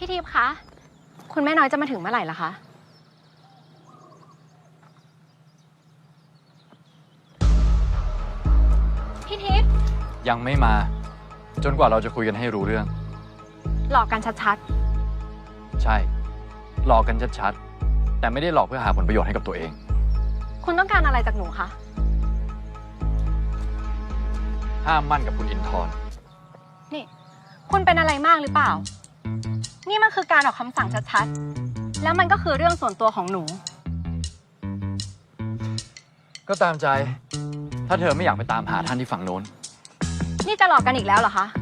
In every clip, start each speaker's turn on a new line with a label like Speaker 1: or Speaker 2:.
Speaker 1: พี่ทิพย์คะคุณแม่น้อยจะมาถึงเมื่อไหร่ล่ะคะพี่ทิพย์
Speaker 2: ยังไม่มาจนกว่าเราจะคุยกันให้รู้เรื่อง
Speaker 1: หลอกกันชัด
Speaker 2: ใช่หลอกกันชัดๆแต่ไม่ได้หลอกเพื่อหาผลประโยชน์ให้กับตัวเอง
Speaker 1: คุณต้องการอะไรจากหนูคะ
Speaker 2: ห้ามมั่นกับคุณอินทร์
Speaker 1: นี่คุณเป็นอะไรมากหรือเปล่านี่มันคือการออกคำสั่งชัดๆแล้วมันก็คือเรื่องส่วนตัวของหนู
Speaker 2: ก็ตามใจถ้าเธอไม่อยากไปตามหาท่านที่ฝั่งโน้น
Speaker 1: นี่จะหลอกกันอีกแล้วเหรอคะ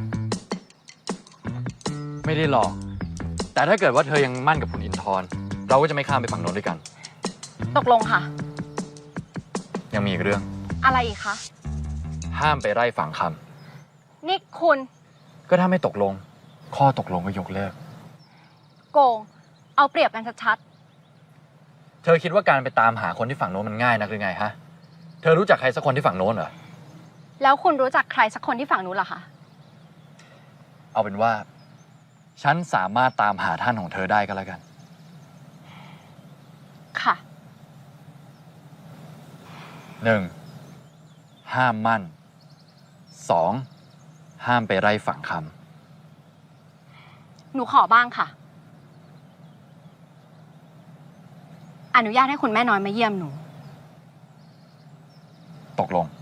Speaker 2: ไม่ได้หลอกแต่ถ้าเกิดว่าเธอยังมั่นกับคุณอินทร์เราก็จะไม่ข้ามไปฝั่งโน้นด้วยกัน
Speaker 1: ตกลงค่ะ
Speaker 2: ยังมีอีกเรื่อง
Speaker 1: อะไรอีกคะ
Speaker 2: ห้ามไปไล่ฝั่งค
Speaker 1: ำนี่คุณ
Speaker 2: ก็ถ้าไม่ตกลงข้อตกลงก็ยกเลิก
Speaker 1: โกงเอาเปรียบกันชัด
Speaker 2: ๆเธอคิดว่าการไปตามหาคนที่ฝั่งโน้นมันง่ายนักหรือไงฮะเธอรู้จักใครสักคนที่ฝั่งโน้นเหรอ
Speaker 1: แล้วคุณรู้จักใครสักคนที่ฝั่งนู้นเหรอคะ
Speaker 2: เอาเป็นว่าฉันสามารถตามหาท่านของเธอได้ก็แล้วกัน
Speaker 1: ค่ะ
Speaker 2: 1. ห้ามมั่น 2. ห้ามไปไล่ฝั่งค
Speaker 1: ำหนูขอบ้างค่ะอนุญาตให้คุณแม่น้อยมาเยี่ยมหนู
Speaker 2: ตกลง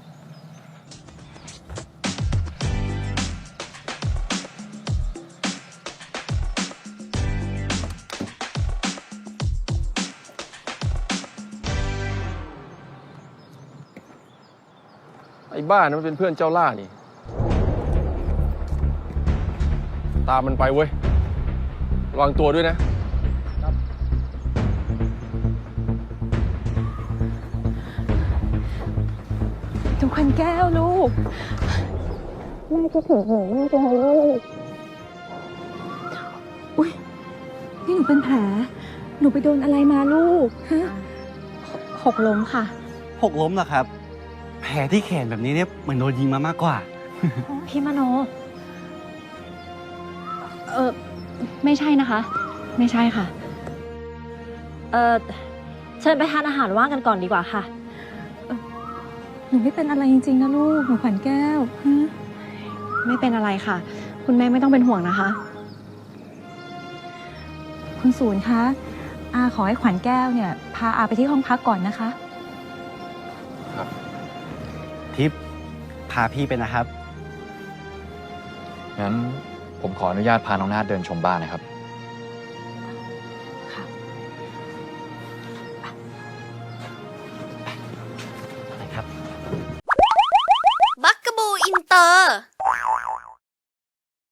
Speaker 3: ไอ้บ้านะมันเป็นเพื่อนเจ้าล่านี่ตามมันไปเว้ยระวังตัวด้วยนะ
Speaker 4: ทุกคนแก้วลูกแม่คิดถึงหนูมากเลยลูกอุ๊ยนี่หนูเป็นแผลหนูไปโดนอะไรมาลูกฮะ
Speaker 1: หกล้มค่ะ
Speaker 5: หกล้มเหรอครับแผลที่แขนแบบนี้เนี่ยเหมือนโดนยิงมามากกว่า
Speaker 1: พี่มโนไม่ใช่นะคะไม่ใช่ค่ะ
Speaker 4: เชิญไปทานอาหารว่างกันก่อนดีกว่าค่ะหนูไม่เป็นอะไรจริงๆนะลูกหนูขวัญแก้วฮะ
Speaker 1: ไม่เป็นอะไรค่ะคุณแม่ไม่ต้องเป็นห่วงนะคะ
Speaker 4: คุณศูนย์คะอาขอให้ขวัญแก้วเนี่ยพาอาไปที่ห้องพักก่อนนะคะ
Speaker 2: ครับ
Speaker 5: ทิพย์พาพี่ไปนะครับ
Speaker 2: งั้นผมขออนุญาตพาน้องนาฏเดินชมบ้านนะครับ